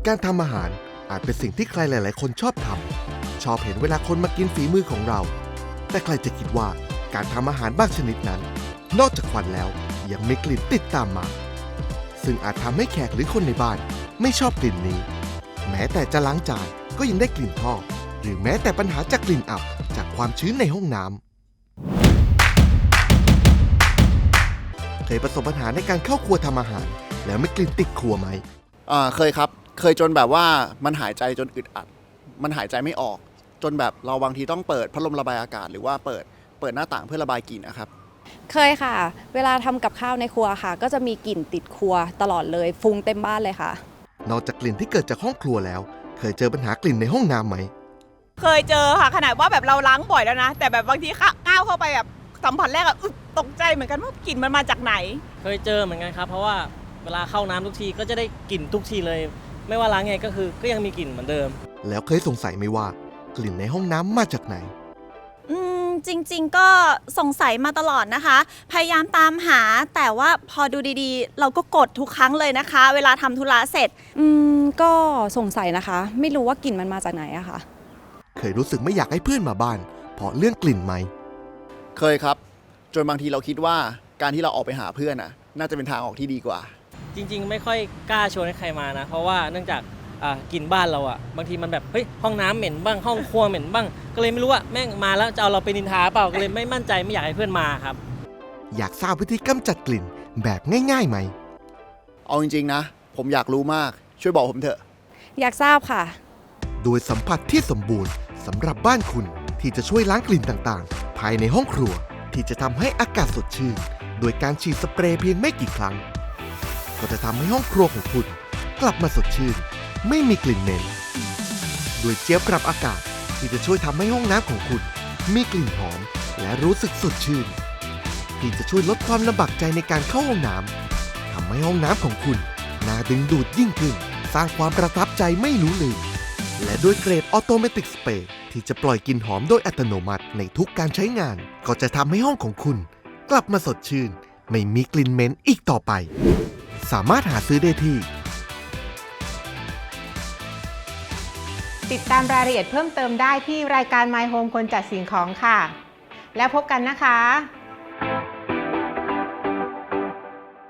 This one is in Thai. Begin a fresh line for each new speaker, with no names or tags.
การทำอาหารอาจเป็นสิ่งที่ใครหลาย ๆ คนชอบทำชอบเห็นเวลาคนมากินฝีมือของเราแต่ใครจะคิดว่าการทำอาหารบางชนิดนั้นนอกจากควันแล้วยังมีกลิ่นติดตามมาซึ่งอาจทำให้แขกหรือคนในบ้านไม่ชอบกลิ่นนี้แม้แต่จะล้างจานก็ยังได้กลิ่นท่อหรือแม้แต่ปัญหาจากกลิ่นอับจากความชื้นในห้องน้ำเคยประสบปัญหาในการเข้าครัวทำอาหารแล้วไม่กลิ่นติดครัวไหม
เคยครับเคยจนแบบว่ามันหายใจจนอึดอัดมันหายใจไม่ออกจนแบบเราบางทีต้องเปิดพัดลมระบายอากาศหรือว่าเปิดหน้าต่างเพื่อระบายกลิ่นนะครับ
เคยค่ะเวลาทำกับข้าวในครัวค่ะก็จะมีกลิ่นติดครัวตลอดเลยฟุ้งเต็มบ้านเลยค่ะ
นอกจากกลิ่นที่เกิดจากห้องครัวแล้วเคยเจอปัญหากลิ่นในห้องน้ำไหม
เคยเจอค่ะขนาดว่าแบบเราล้างบ่อยแล้วนะแต่แบบบางทีก้าวเข้าไปแบบสัมผัสแรกตกใจเหมือนกันว่ากลิ่นมันมาจากไหน
เคยเจอเหมือนกันครับเพราะว่าเวลาเข้าน้ำทุกทีก็จะได้กลิ่นทุกทีเลยไม่ว่าล้างไงก็ยังมีกลิ่นเหมือนเดิม
แล้วเคยสงสัยไหมว่ากลิ่นในห้องน้ำมาจากไหน
จริงๆก็สงสัยมาตลอดนะคะพยายามตามหาแต่ว่าพอดูดีๆเราก็กดทุกครั้งเลยนะคะเวลาทำธุระเสร็จ
ก็สงสัยนะคะไม่รู้ว่ากลิ่นมันมาจากไหนอะค่ะ
เคยรู้สึกไม่อยากให้เพื่อนมาบ้านเพราะเรื่องกลิ่นไหม
เคยครับจนบางทีเราคิดว่าการที่เราออกไปหาเพื่อนน่าจะเป็นทางออกที่ดีกว่า
จริงๆไม่ค่อยกล้าชวนให้ใครมานะเพราะว่าเนื่องจากกลิ่นบ้านเราบางทีมันแบบเฮ้ยห้องน้ำเหม็นบ้างห้องครัวเหม็นบ้างก็เลยไม่รู้ว่าแม่งมาแล้วจะเอาเราไปนินทาเปล่าก็เลยไม่มั่นใจไม่อยากให้เพื่อนมาครับ
อยากทราบวิธีกำจัดกลิ่นแบบง่ายๆไหม
เอาจริงๆนะผมอยากรู้มากช่วยบอกผมเถอะ
อยากทราบค่ะ
โดยสัมผัสที่สมบูรณ์สำหรับบ้านคุณที่จะช่วยล้างกลิ่นต่างๆภายในห้องครัวที่จะทำให้อากาศสดชื่นโดยการฉีดสเปรย์เพียงไม่กี่ครั้งก็จะทำให้ห้องครัวของคุณกลับมาสดชื่นไม่มีกลิ่นเหม็นโดยเจี๊ยบปรับอากาศที่จะช่วยทำให้ห้องน้ำของคุณมีกลิ่นหอมและรู้สึกสดชื่นที่จะช่วยลดความลำบากใจในการเข้าห้องน้ำทำให้ห้องน้ำของคุณน่าดึงดูดยิ่งขึ้นสร้างความประทับใจไม่รู้ลืมและด้วยเกรดออโตเมติกสเปรย์ที่จะปล่อยกลิ่นหอมโดยอัตโนมัติในทุกการใช้งานก็จะทำให้ห้องของคุณกลับมาสดชื่นไม่มีกลิ่นเหม็นอีกต่อไปสามารถหาซื้อได้ที่
ติดตามรายละเอียดเพิ่มเติมได้ที่รายการ My Home คนจัดสิ่งของค่ะแล้วพบกันนะคะ